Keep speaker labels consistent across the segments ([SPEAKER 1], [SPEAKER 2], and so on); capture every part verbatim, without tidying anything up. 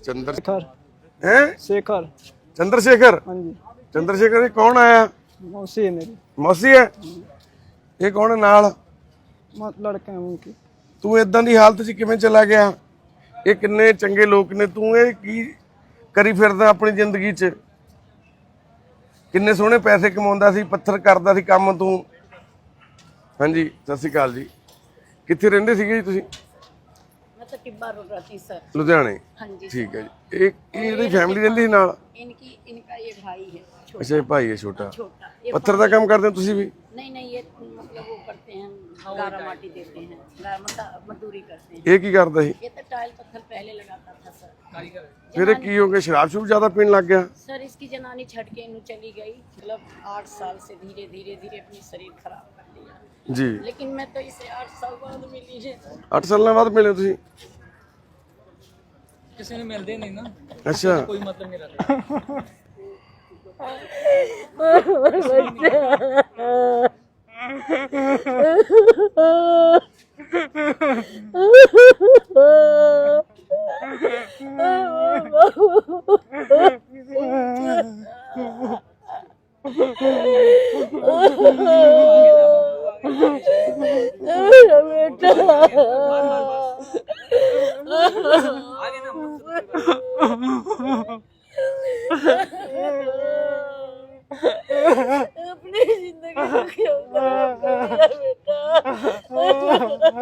[SPEAKER 1] चंद्रशेखर
[SPEAKER 2] हैं
[SPEAKER 1] शेखर
[SPEAKER 2] चंद्रशेखर
[SPEAKER 1] हाँ जी
[SPEAKER 2] चंद्रशेखर ये कौन आया?
[SPEAKER 1] मौसी है मेरी
[SPEAKER 2] मौसी है ये कौन है नाल?
[SPEAKER 1] मत लड़के हैं उनकी
[SPEAKER 2] तू इदां दी हालत च किवें चला गया? ये किन्ने चंगे लोग ने, तू ये की करी फिरदा अपनी जिंदगी च? किन्ने सोहणे पैसे कमाउंदा सी, पत्थर करदा सी काम तू। हाँ जी सत श्री अकाल जी। कित्थे रहिंदे सीगे जी तुसीं?
[SPEAKER 3] मैं तो टिब्बा रोड रहती सर।
[SPEAKER 2] लुधियाने।
[SPEAKER 3] हाँ जी
[SPEAKER 2] ठीक है जी। एक ये फैमिली रहिंदी सी नाल?
[SPEAKER 3] इनकी इनका ये भाई है छोटा।
[SPEAKER 2] अच्छा ये भाई है छोटा।
[SPEAKER 3] छोटा ये
[SPEAKER 2] पत्थर का काम करते हो तुसीं भी?
[SPEAKER 3] नहीं नहीं ये मतलब वो करते हैं, गारा माटी देते हैं, गारा मता मजदूरी करते हैं।
[SPEAKER 2] ये की करदा सी?
[SPEAKER 3] ये तो टाइल पत्थर पहले लगाता था सर।
[SPEAKER 2] फिर ये की हो गया, शराब शूब ज्यादा पीने लग गया?
[SPEAKER 3] सर इसकी जनानी छट के इन्हू चली गई, मतलब आठ साल से धीरे धीरे धीरे अपनी शरीर खराब कर लिया
[SPEAKER 2] जी।
[SPEAKER 3] लेकिन मैं तो इसे आठ साल बाद मिली है।
[SPEAKER 2] अठ साल बाद मिले तुसीं?
[SPEAKER 4] किसी ने मिलते नहीं ना,
[SPEAKER 2] अच्छा
[SPEAKER 4] कोई मतलब नहीं रखता।
[SPEAKER 3] अपनी जिंदगी को क्यों खराब कर दिया बेटा?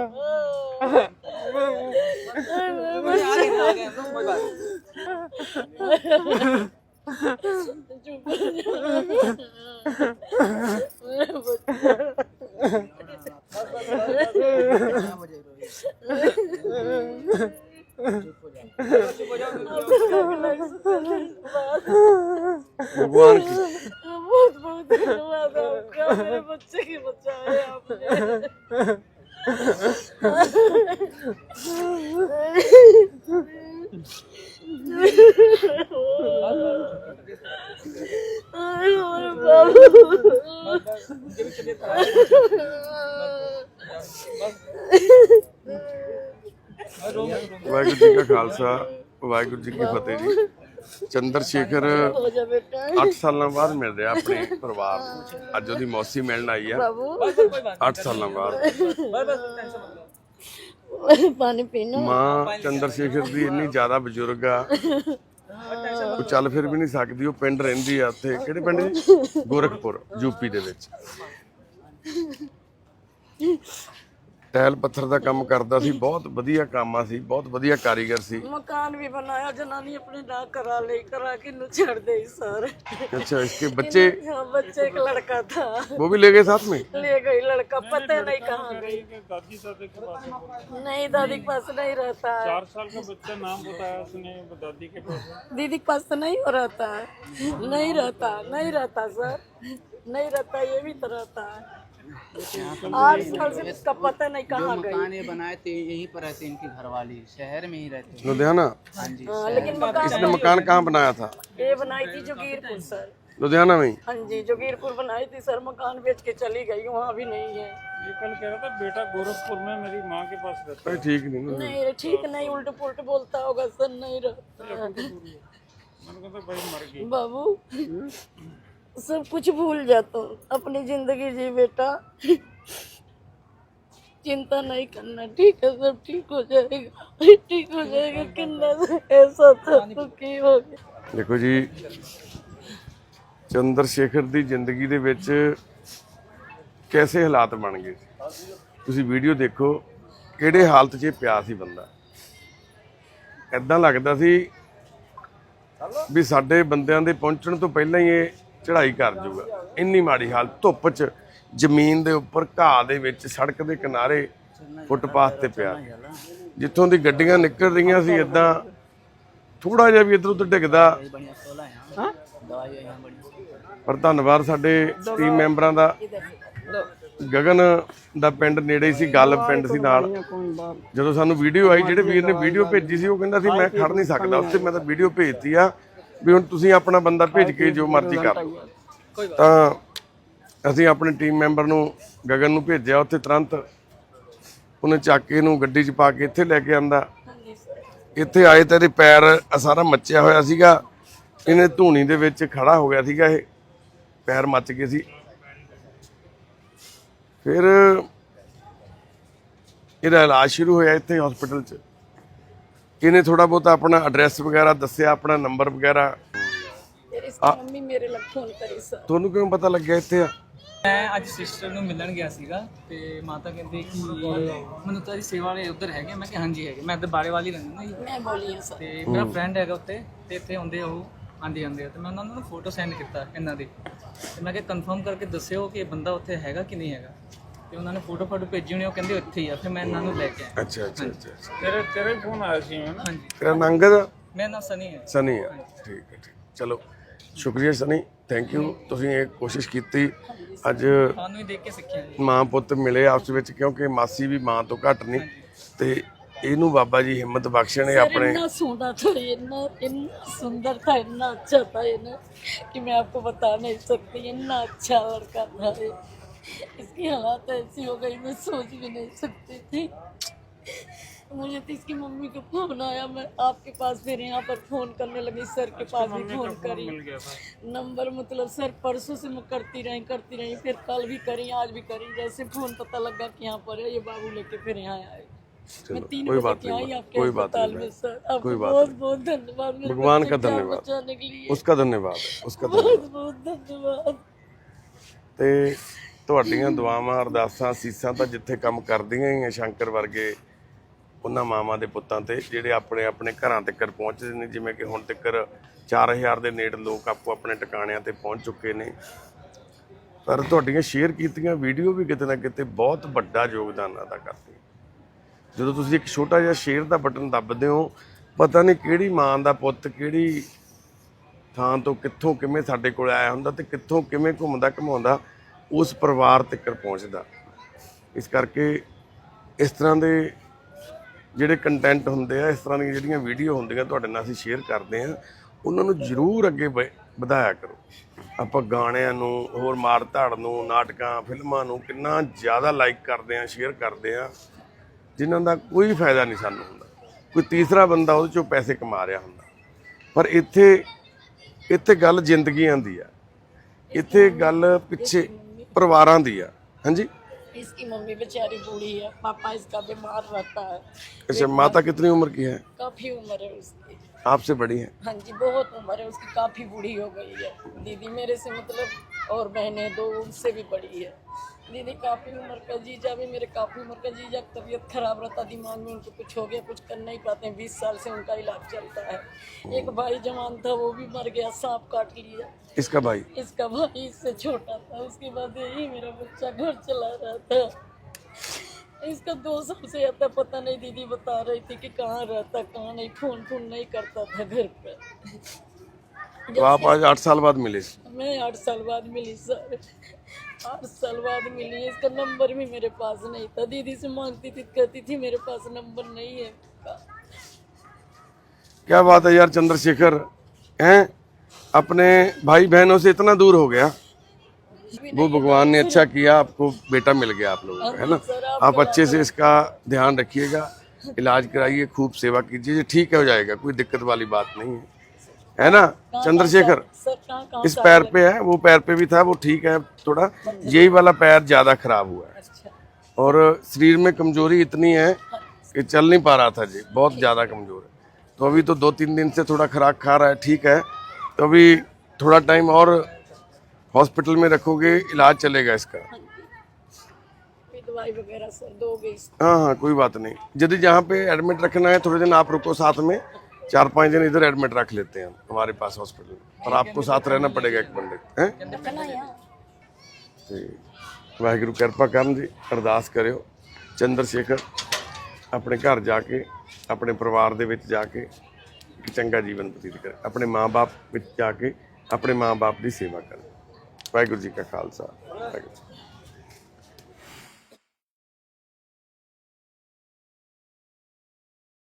[SPEAKER 2] भगवान की
[SPEAKER 3] बहुत बहुत धन्यवाद आपका, मेरे बच्चे की बचाए आपने।
[SPEAKER 2] वाहिगुरू जी का खालसा वाहिगुरू जी की फतेह जी। चंद्रशेखर अठ साल बाद मिल रहा अपने परिवार को। अज ओदी मौसी मिलने आई है अठ साल बाद।
[SPEAKER 3] पानी पीना।
[SPEAKER 2] मां चंद्रशेखर दी इन्नी ज्यादा बजुर्ग आ, ਉਹ ਚੱਲ ਫਿਰ ਵੀ ਨਹੀਂ ਸਕਦੀ। ਉਹ ਪਿੰਡ ਰਹਿੰਦੀ ਆ ਉੱਥੇ, ਕਿਹੜੇ ਪਿੰਡ ਜੀ? ਗੋਰਖਪੁਰ ਯੂਪੀ ਦੇ ਵਿੱਚ। ਟੈਲ ਪੱਥਰ ਦਾ ਕੰਮ ਕਰਦਾ ਸੀ, ਬਹੁਤ ਵਧੀਆ ਕੰਮ ਆ ਸੀ, ਬਹੁਤ ਵਧੀਆ ਕਾਰੀਗਰ ਸੀ।
[SPEAKER 3] मकान भी बनाया, जनानी अपने ना करा ले करा के नु छोड़ दे सर।
[SPEAKER 2] अच्छा इसके बच्चे?
[SPEAKER 3] हाँ, बच्चे एक लड़का था,
[SPEAKER 2] वो भी ले गए साथ में?
[SPEAKER 3] ले गई लड़का, पता नहीं कहाँ गई।
[SPEAKER 4] दादी दादी के पास
[SPEAKER 3] नहीं दादी के पास नहीं रहता है।
[SPEAKER 4] चार साल का बच्चा नाम बताया उसने, दादी के पास।
[SPEAKER 3] दीदी के पास तो नहीं हो रहता है, नहीं रहता नहीं रहता सर, नहीं रहता, ये भी तो रहता है। आठ साल से इसका पता नहीं कहाँ गई।
[SPEAKER 5] मकान ये बनाए थे यहीं पर रहते, इनकी घरवाली शहर में ही रहते।
[SPEAKER 2] लुधियाना?
[SPEAKER 5] हाँ जी।
[SPEAKER 3] हाँ, लेकिन मकान
[SPEAKER 2] इसने मकान कहाँ बनाया था?
[SPEAKER 3] ये बनाई थी जोगीरपुर सर।
[SPEAKER 2] लुधियाना में ही?
[SPEAKER 3] हाँ जी जोगीरपुर बनाई थी सर, मकान बेच के चली गई, वहाँ भी नहीं है।
[SPEAKER 4] ये कल कह रहा था बेटा गोरखपुर में मेरी माँ के पास रहता
[SPEAKER 2] अरे ठीक नहीं ना।
[SPEAKER 3] नहीं ठीक नहीं, उल्ट पुल्ट बोलता होगा सर, नहीं रहता।
[SPEAKER 4] है। मैंने कहा था भाई मर गई।
[SPEAKER 3] बाबू सब कुछ भूल जाता हूँ, अपनी जिंदगी जी बेटा, चिंता नहीं करना, ठीक है सब ठीक हो जाएगा, ठीक हो जाएगा। किन्ना ऐसा था तो की हो गया।
[SPEAKER 2] देखो जी चंद्रशेखर ਦੀ ਜ਼ਿੰਦਗੀ ਦੇ ਵਿੱਚ कैसे ਹਾਲਾਤ ਬਣ ਗਏ। ਤੁਸੀਂ ਵੀਡੀਓ ਦੇਖੋ ਕਿਹੜੇ ਹਾਲਤ 'ਚ ਪਿਆ ਸੀ ਬੰਦਾ। ਐਦਾਂ ਲੱਗਦਾ ਸੀ ਵੀ ਸਾਡੇ ਬੰਦਿਆਂ ਦੇ ਪਹੁੰਚਣ ਤੋਂ ਪਹਿਲਾਂ ਹੀ ਇਹ ਚੜ੍ਹਾਈ ਕਰ ਜੂਗਾ। ਇੰਨੀ ਮਾੜੀ ਹਾਲਤ, ਧੁੱਪ 'ਚ ਜ਼ਮੀਨ ਦੇ ਉੱਪਰ ਘਾਹ ਦੇ ਵਿੱਚ ਸੜਕ ਦੇ ਕਿਨਾਰੇ ਫੁੱਟਪਾਥ ਤੇ ਪਿਆ, ਜਿੱਥੋਂ ਦੀ ਗੱਡੀਆਂ ਨਿਕਲ ਰਹੀਆਂ ਸੀ ਇਦਾਂ ਥੋੜਾ ਜਿਹਾ ਵੀ ਇੱਧਰ ਉੱਧਰ ਡਿੱਗਦਾ। ਪਰ ਧੰਨਵਾਦ ਸਾਡੇ ਟੀਮ ਮੈਂਬਰਾਂ ਦਾ। ਗਗਨ ਦਾ ਪਿੰਡ ਨੇੜੇ ਸੀ, ਗੱਲ ਪਿੰਡ ਸੀ ਨਾਲ। ਜਦੋਂ ਸਾਨੂੰ ਵੀਡੀਓ ਆਈ, ਜਿਹੜੇ ਵੀਰ ਨੇ ਵੀਡੀਓ ਭੇਜੀ ਸੀ ਉਹ ਕਹਿੰਦਾ ਸੀ ਮੈਂ ਖੜ ਨਹੀਂ ਸਕਦਾ ਉੱਥੇ, ਮੈਂ ਤਾਂ ਵੀਡੀਓ ਭੇਜਤੀ ਆ ਵੀ ਹੁਣ ਤੁਸੀਂ ਆਪਣਾ ਬੰਦਾ ਭੇਜ ਕੇ ਜੋ ਮਰਜ਼ੀ ਕਰ ਲਓ। ਤਾਂ ਅਸੀਂ ਆਪਣੇ ਟੀਮ ਮੈਂਬਰ ਨੂੰ ਗਗਨ ਨੂੰ ਭੇਜਿਆ ਉੱਥੇ, ਤੁਰੰਤ ਉਹਨੇ ਚੱਕ ਕੇ ਇਹਨੂੰ ਗੱਡੀ 'ਚ ਪਾ ਕੇ ਇੱਥੇ ਲੈ ਕੇ ਆਂਦਾ। ਇੱਥੇ ਆਏ ਤਾਂ ਇਹਦੇ ਪੈਰ ਆਹ ਸਾਰਾ ਮੱਚਿਆ ਹੋਇਆ ਸੀਗਾ, ਇਹਨੇ ਧੂਣੀ ਦੇ ਵਿੱਚ ਖੜਾ ਹੋ ਗਿਆ ਸੀਗਾ, ਇਹ ਪੈਰ ਮੱਚ ਗਏ ਸੀ। ਫਿਰ ਇਹਦਾ ਇਲਾਜ ਸ਼ੁਰੂ ਹੋਇਆ ਇੱਥੇ ਹਸਪੀਟਲ 'ਚ। ਇਹਨੇ ਥੋੜਾ ਬਹੁਤਾ ਆਪਣਾ ਐਡਰੈਸ ਵਗੈਰਾ ਦੱਸਿਆ, ਆਪਣਾ ਨੰਬਰ ਵਗੈਰਾ।
[SPEAKER 3] फिर इसकी मम्मी मेरे लग फोन करी सर।
[SPEAKER 2] ਤੁਹਾਨੂੰ ਕਿਵੇਂ ਪਤਾ ਲੱਗਿਆ ਇੱਥੇ ਆ?
[SPEAKER 6] ਮੈਂ ਅੱਜ ਸਿਸਟਰ ਨੂੰ ਮਿਲਣ ਗਿਆ ਸੀਗਾ ਤੇ ਮਾਤਾ ਕਹਿੰਦੇ ਕਿ ਮੈਨੂੰ ਤੇਰੀ ਸੇਵਾ ਵਾਲੇ ਉੱਧਰ ਹੈਗੇ। ਮੈਂ ਕਿਹਾ ਹਾਂਜੀ ਹੈਗੇ, ਮੈਂ ਇੱਧਰ ਬਾੜੇ ਵਾਲੀ ਰਹਿੰਦਾ ਨਾ ਜੀ।
[SPEAKER 3] मैं बोली है सर।
[SPEAKER 6] ਤੇ ਮੇਰਾ ਫਰੈਂਡ ਹੈਗਾ ਉੱਤੇ ਤੇ ਇੱਥੇ ਆਉਂਦੇ ਉਹ ਆਂਦੇ ਜਾਂਦੇ ਆ ਤੇ ਮੈਂ ਉਹਨਾਂ ਨੂੰ ਫੋਟੋ ਸੈਂਡ ਕੀਤਾ ਇਹਨਾਂ ਦੀ ਤੇ ਮੈਂ ਕਿਹਾ ਕਨਫਰਮ ਕਰਕੇ ਦੱਸਿਓ ਕਿ ਇਹ ਬੰਦਾ ਉੱਥੇ ਹੈਗਾ ਕਿ ਨਹੀਂ ਹੈਗਾ। ਤੇ ਉਹਨਾਂ ਨੇ ਫੋਟੋ ਫੋਟੋ ਭੇਜੀ ਹੋਣੀ, ਉਹ ਕਹਿੰਦੇ ਇੱਥੇ ਹੀ ਆ। ਫਿਰ ਮੈਂ ਇਹਨਾਂ ਨੂੰ ਲੈ ਕੇ ਆਇਆ।
[SPEAKER 2] ਅੱਛਾ ਅੱਛਾ ਅੱਛਾ ਅੱਛਾ।
[SPEAKER 4] ਤੇਰੇ ਤੇਰੇ ਫੋਨ ਆਇਆ ਸੀ ਮੈਨੂੰ।
[SPEAKER 6] ਹਾਂਜੀ,
[SPEAKER 2] ਤੇਰਾ ਨਾਂ ਅੰਗਦ?
[SPEAKER 6] ਮੇਰਾ ਨਾਮ ਸਨੀ ਹੈ।
[SPEAKER 2] ਸਨੀ ਆ, ਠੀਕ ਹੈ ਠੀਕ। ਚਲੋ ਸ਼ੁਕਰੀਆ ਸਨੀ, ਥੈਂਕ ਯੂ। ਤੁਸੀਂ ਇਹ ਕੋਸ਼ਿਸ਼ ਕੀਤੀ, ਅੱਜ
[SPEAKER 6] ਤੁਹਾਨੂੰ ਵੀ ਦੇਖ ਕੇ ਸਿੱਖਿਆ ਜੀ।
[SPEAKER 2] ਮਾਂ ਪੁੱਤ ਮਿਲੇ ਆਪਸ ਵਿੱਚ, ਕਿਉਂਕਿ ਮਾਸੀ ਵੀ ਮਾਂ ਤੋਂ ਘੱਟ ਨਹੀਂ। ਤੇ ਇਹਨੂੰ ਬਾਬਾ ਜੀ ਹਿੰਮਤ ਬਖਸ਼ਣ। ਇਹ ਆਪਣੇ
[SPEAKER 3] इतना सुंदर था, इतना इतना सुंदर था, इतना अच्छा था ये ना कि मैं आपको बता नहीं सकती। इतना अच्छा लड़का था ये। इसकी हालत ऐसी हो गई, मैं सोच भी नहीं सकती थी। मुझे तो इसकी मम्मी का फोन आया, मैं आपके पास फिर यहाँ पर फोन करने लगी, सर के पास भी फोन करी। नंबर मतलब सर परसों से मैं करती रही करती रही फिर कल भी करी, आज भी करी। जैसे फोन पता लगा कि यहाँ पर है, ये बाबू लेके फिर यहाँ आए। मैं तीन
[SPEAKER 2] कोई
[SPEAKER 3] बजे
[SPEAKER 2] बात
[SPEAKER 3] की आई
[SPEAKER 2] नहीं,
[SPEAKER 3] आपके
[SPEAKER 2] कोई बात
[SPEAKER 3] अस्पताल
[SPEAKER 2] नहीं,
[SPEAKER 3] में सर। आपको
[SPEAKER 2] कोई बात
[SPEAKER 3] बहुत
[SPEAKER 2] नहीं।
[SPEAKER 3] बहुत धन्यवाद मेरे
[SPEAKER 2] भगवान
[SPEAKER 3] बच्चे
[SPEAKER 2] का
[SPEAKER 3] की जान
[SPEAKER 2] धन्यवाद।
[SPEAKER 3] बचाने के लिए
[SPEAKER 2] उसका धन्यवाद है, उसका धन्यवाद।
[SPEAKER 3] बहुत बहुत धन्यवाद।
[SPEAKER 2] ਤੇ ਤੁਹਾਡੀਆਂ ਦੁਆਵਾਂ ਅਰਦਾਸਾਂ ਸੀਸਾਂ ਤਾਂ ਜਿੱਥੇ ਕੰਮ ਕਰਦੀਆਂ ਹੀ ਆ ਸ਼ੰਕਰ ਵਰਗੇ ਉਹਨਾਂ ਮਾਵਾਂ ਦੇ ਪੁੱਤਾਂ ਤੇ, ਜਿਹੜੇ ਆਪਣੇ ਆਪਣੇ ਘਰਾਂ ਤੱਕ ਪਹੁੰਚਦੇ ਨੇ। ਜਿਵੇਂ ਕਿ ਹੁਣ ਤੱਕ ਚਾਰ ਹਜ਼ਾਰ ਦੇ ਨੇੜੇ ਲੋਕ ਆਪੋ ਆਪਣੇ ਟਿਕਾਣਿਆਂ ਤੇ ਪਹੁੰਚ ਚੁੱਕੇ ਨੇ। ਪਰ ਤੁਹਾਡੀਆਂ ਸ਼ੇਅਰ ਕੀਤੀਆਂ ਵੀਡੀਓ ਵੀ ਕਿਤੇ ਨਾ ਕਿਤੇ ਬਹੁਤ ਵੱਡਾ ਯੋਗਦਾਨ ਅਦਾ ਕਰਦੀਆਂ। ਜਦੋਂ ਤੁਸੀਂ ਇੱਕ ਛੋਟਾ ਜਿਹਾ ਸ਼ੇਅਰ ਦਾ ਬਟਨ ਦੱਬਦੇ ਹੋ, ਪਤਾ ਨਹੀਂ ਕਿਹੜੀ ਮਾਂ ਦਾ ਪੁੱਤ ਕਿਹੜੀ ਥਾਂ ਤੋਂ ਕਿੱਥੋਂ ਕਿਵੇਂ ਸਾਡੇ ਕੋਲ ਆਇਆ ਹੁੰਦਾ ਤੇ ਕਿੱਥੋਂ ਕਿਵੇਂ ਘੁੰਮਦਾ ਘੁਮਾਉਂਦਾ ਉਸ ਪਰਿਵਾਰ ਤੱਕ ਪਹੁੰਚਦਾ। ਇਸ ਕਰਕੇ ਇਸ ਤਰ੍ਹਾਂ ਦੇ ਜਿਹੜੇ ਕੰਟੈਂਟ ਹੁੰਦੇ ਆ, ਇਸ ਤਰ੍ਹਾਂ ਦੀਆਂ ਜਿਹੜੀਆਂ ਵੀਡੀਓ ਹੁੰਦੀਆਂ ਤੁਹਾਡੇ ਨਾਲ ਅਸੀਂ ਸ਼ੇਅਰ ਕਰਦੇ ਆ, ਉਹਨਾਂ ਨੂੰ ਜ਼ਰੂਰ ਅੱਗੇ ਵ- ਵਧਾਇਆ ਕਰੋ। ਆਪਾਂ ਗਾਣਿਆਂ ਨੂੰ, ਹੋਰ ਮਾਰ ਧਾੜ ਨੂੰ, ਨਾਟਕਾਂ ਫਿਲਮਾਂ ਨੂੰ ਕਿੰਨਾ ਜ਼ਿਆਦਾ ਲਾਈਕ ਕਰਦੇ ਆ, ਸ਼ੇਅਰ ਕਰਦੇ ਆ, ਜਿਨ੍ਹਾਂ ਦਾ ਕੋਈ ਫਾਇਦਾ ਨਹੀਂ ਸਾਨੂੰ ਹੁੰਦਾ। ਕੋਈ ਤੀਸਰਾ ਬੰਦਾ ਉਹਦੇ ਚੋਂ ਪੈਸੇ ਕਮਾ ਰਿਹਾ ਹੁੰਦਾ। ਪਰ ਇੱਥੇ ਇੱਥੇ ਗੱਲ ਜ਼ਿੰਦਗੀਆਂ ਦੀ ਆ, ਇੱਥੇ ਗੱਲ ਪਿੱਛੇ ਪਰਿਵਾਰਾਂ ਦੀ ਆ। ਹਾਂਜੀ,
[SPEAKER 3] इसकी मम्मी बेचारी बूढ़ी है, पापा इसका बीमार रहता है।
[SPEAKER 2] अच्छा, माता कितनी उम्र की है?
[SPEAKER 3] काफी उम्र है उसकी।
[SPEAKER 2] आपसे बड़ी है?
[SPEAKER 3] हाँ जी, बहुत उम्र है उसकी, काफी बूढ़ी हो गई है। दीदी मेरे से मतलब, और बहनें दो उनसे भी बड़ी है। दीदी काफी उम्र का, जीजा भी मेरे काफी उम्र का। जीजा की तबीयत खराब रहता, दिमाग में उनको कुछ हो गया, कुछ कर नहीं पाते हैं। बीस साल से उनका इलाज चलता है। एक भाई जवान था, वो भी मर गया, सांप काट लिया।
[SPEAKER 2] इसका भाई?
[SPEAKER 3] इसका भाई इससे छोटा था। उसके बाद यही मेरा बच्चा घर चला रहा था। इसका दो साल से आता, पता नहीं दीदी बता रही थी कि कहाँ रहता कहाँ नहीं, फोन फोन नहीं करता था घर पे।
[SPEAKER 2] तो आप आज आठ साल बाद मिले?
[SPEAKER 3] मैं आठ साल बाद मिली सर, आठ साल बाद मिली। इसका नंबर भी मेरे पास नहीं था। दीदी से मांगती थी, कहती थी मेरे पास नंबर नहीं है इसका।
[SPEAKER 2] क्या बात है यार चंद्रशेखर, हैं अपने भाई बहनों से इतना दूर हो गया। वो भगवान ने अच्छा किया, आपको बेटा मिल गया आप लोगों को, है ना। आप अच्छे से इसका ध्यान रखिएगा, इलाज कराइए, खूब सेवा कीजिए, ठीक है हो जाएगा, कोई दिक्कत वाली बात नहीं है, है ना चंद्रशेखर।
[SPEAKER 3] सर कहाँ कहाँ
[SPEAKER 2] इस पैर पे है, वो पैर पे भी था, वो ठीक है थोड़ा, यही वाला पैर ज्यादा खराब हुआ है
[SPEAKER 3] अच्छा।
[SPEAKER 2] और शरीर में कमजोरी इतनी है कि चल नहीं पा रहा था जी, बहुत ज्यादा कमजोर है। तो अभी तो दो तीन दिन से थोड़ा खुराक खा रहा है, ठीक है। तो अभी थोड़ा टाइम और हॉस्पिटल में रखोगे, इलाज चलेगा इसका।
[SPEAKER 3] फिर दवाई वगैरह सर दोगे इसको?
[SPEAKER 2] हाँ हाँ कोई बात नहीं। यदि जहाँ पे एडमिट रखना है थोड़े दिन आप रुको, साथ में चार पाँच दिन इधर एडमिट रख लेते हैं हमारे पास हॉस्पिटल में, और आपको साथ रहना पड़ेगा एक पंडित हैं। ਤੇ ਵਾਹਿਗੁਰੂ ਕਿਰਪਾ ਕਰਨ ਜੀ, ਅਰਦਾਸ ਕਰਿਓ ਚੰਦਰਸ਼ੇਖਰ ਆਪਣੇ ਘਰ ਜਾ ਕੇ, ਆਪਣੇ ਪਰਿਵਾਰ ਦੇ ਵਿੱਚ ਜਾ ਕੇ ਇੱਕ ਚੰਗਾ ਜੀਵਨ ਬਤੀਤ ਕਰੇ, ਆਪਣੇ ਮਾਂ-ਬਾਪ ਵਿੱਚ ਜਾ ਕੇ ਆਪਣੇ ਮਾਂ-ਬਾਪ ਦੀ ਸੇਵਾ ਕਰੇ। ਵਾਹਿਗੁਰੂ ਜੀ ਕਾ ਖਾਲਸਾ, ਵਾਹਿਗੁਰੂ ਜੀ।